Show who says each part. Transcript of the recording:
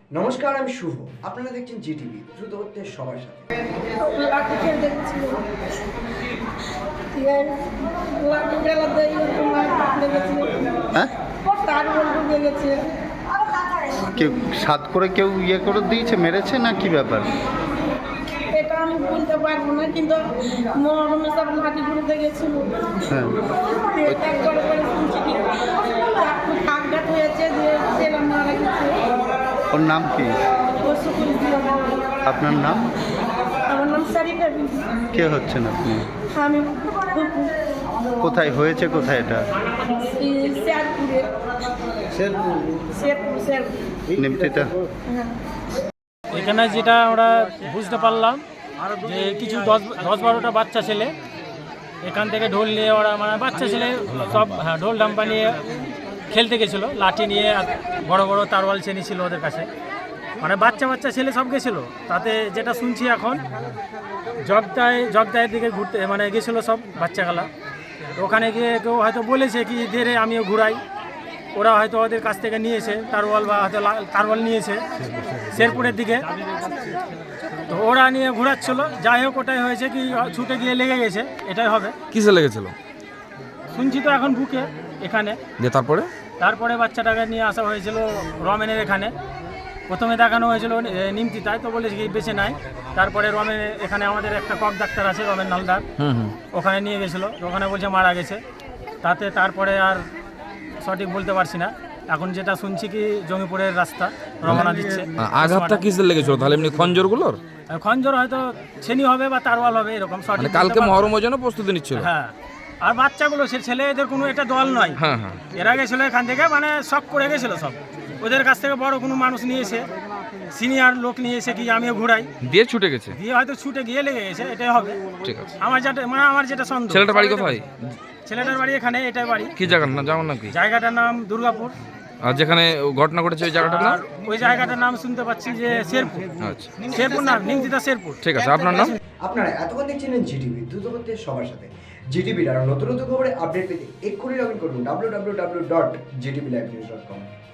Speaker 1: নমস্কার, আমি শুভ। আপনারা দেখছেন জিটিভি, দ্রুত হচ্ছে সবার সাথে।
Speaker 2: লাঠি খেলতে গেছিল, লাঠি খেলাতে লেগেছিল, তার বলতে লেগেছে।
Speaker 3: কেউ সাত করে কেউ করে দিয়েছে, মেরেছে না কি ব্যাপার?
Speaker 2: এটা আমি বলতে পারবো না, কিন্তু মহরমে সব লাঠি ঘুরতে গেছিল।
Speaker 3: হ্যাঁ,
Speaker 2: একবারে করে শুনছি কি আঘাত হয়েছে, যে ছেলে মারা গেছে।
Speaker 3: ওর নাম কি? আপনার নাম?
Speaker 2: আমার নাম সারিকা বিবি।
Speaker 3: কে হচ্ছেন আপনি?
Speaker 2: আমি
Speaker 3: কোথায় হয়েছে, কোথায় এটা?
Speaker 2: শেরপুরে। শেরপুর
Speaker 3: নিমতিটা?
Speaker 2: হ্যাঁ।
Speaker 4: এখানে যেটা আমরা বুঝতে পারলাম যে কিছু 10-12টা বাচ্চা ছেলে এখান থেকে ঢোল নিয়ে, ওরা মানে বাচ্চা ছেলে সব ঢোল ঢাম্পা নিয়ে খেলতে গেছিলো, লাঠি নিয়ে আর বড় বড় তারওয়াল চেনি ছিল ওদের কাছে, মানে বাচ্চা ছেলে সব গেছিলো। তাতে যেটা শুনছি এখন জগদায়ের দিকে ঘুরতে মানে গেছিলো সব বাচ্চাগুলা। ওখানে গিয়ে কেউ হয়তো বলেছে কি ধীরে আমিও ঘুরাই, ওরা হয়তো ওদের কাছ থেকে নিয়েছে তারওয়াল, বা হয়তো তারওয়াল নিয়েছে শেরপুরের দিকে, তো ওরা নিয়ে ঘোরাচ্ছিল। যাই হোক, ওটাই হয়েছে কি ছুটে গিয়ে লেগে গেছে, এটাই হবে।
Speaker 5: কিসে লেগেছিল
Speaker 4: শুনছি তো এখন বুকে এখানে।
Speaker 5: যে
Speaker 4: তারপরে বাচ্চাটাকে নিয়ে আসা হয়েছিল রমেনের এখানে। প্রথমে দেখানো হয়েছিল নিমতিতায়, তো বলেছে কি বেঁচে নাই। তারপরে রমেন এখানে আমাদের একটা কক ডাক্তার আছে, রমেন নালদার, ওখানে নিয়ে গেছিলো, ওখানে বলছে মারা গেছে। তারপরে আর সঠিক বলতে পারছি না। এখন যেটা শুনছি কি জঙ্গিপুরের রাস্তা রওনা দিচ্ছে।
Speaker 5: আঘাতটা কিসে লেগেছিল তাহলে? এমনি খঞ্জরগুলোর?
Speaker 4: খঞ্জর হয়তো ছেনি হবে বা তারওয়াল হবে, এরকম সঠিক
Speaker 5: মানে কালকে মহরমের জন্য প্রস্তুতি নিচ্ছিল।
Speaker 4: হ্যাঁ, আর বাচ্চাগুলো সে ছেলে এদের কোনো এটা দল নয়।
Speaker 5: হ্যাঁ,
Speaker 4: এরা গেছিলো এখান থেকে, মানে শখ করে গেছিলো সব। ওদের কাছ থেকে বড় কোনো মানুষ নিয়েছে, সিনিয়র লোক নিয়েছে কি আমিও ঘুরাই
Speaker 5: দিয়ে ছুটে গেছে,
Speaker 4: দিয়ে হয়তো ছুটে গিয়ে লেগে গেছে, এটাই হবে।
Speaker 5: ঠিক আছে।
Speaker 4: আমার যেটা সন্দেহ।
Speaker 5: ছেলেটার বাড়ি কোথায়?
Speaker 4: ছেলেটার বাড়ি এখানে, এটাই বাড়ি।
Speaker 5: কি জায়গার নাম জানেন নাকি?
Speaker 4: জায়গাটার নাম দুর্গাপুর।
Speaker 5: আর যেখানে ঘটনা ঘটেছে ওই জায়গাটার নাম?
Speaker 4: আর ওই জায়গাটার নাম শুনতে পাচ্ছি যে শেরপুর।
Speaker 5: আচ্ছা,
Speaker 4: শেরপুর না, নিমতিতা শেরপুর।
Speaker 5: ঠিক আছে। আপনার নাম?
Speaker 1: আপনারা এতক্ষণ দেখছিলেন জিটিভি, দ্রুত হচ্ছে সবার সাথে। জিটিভির আরও নতুন নতুন খবরে আপডেট পেতে এক্ষুনি লগ ইন করুন www.gtblivenews.com।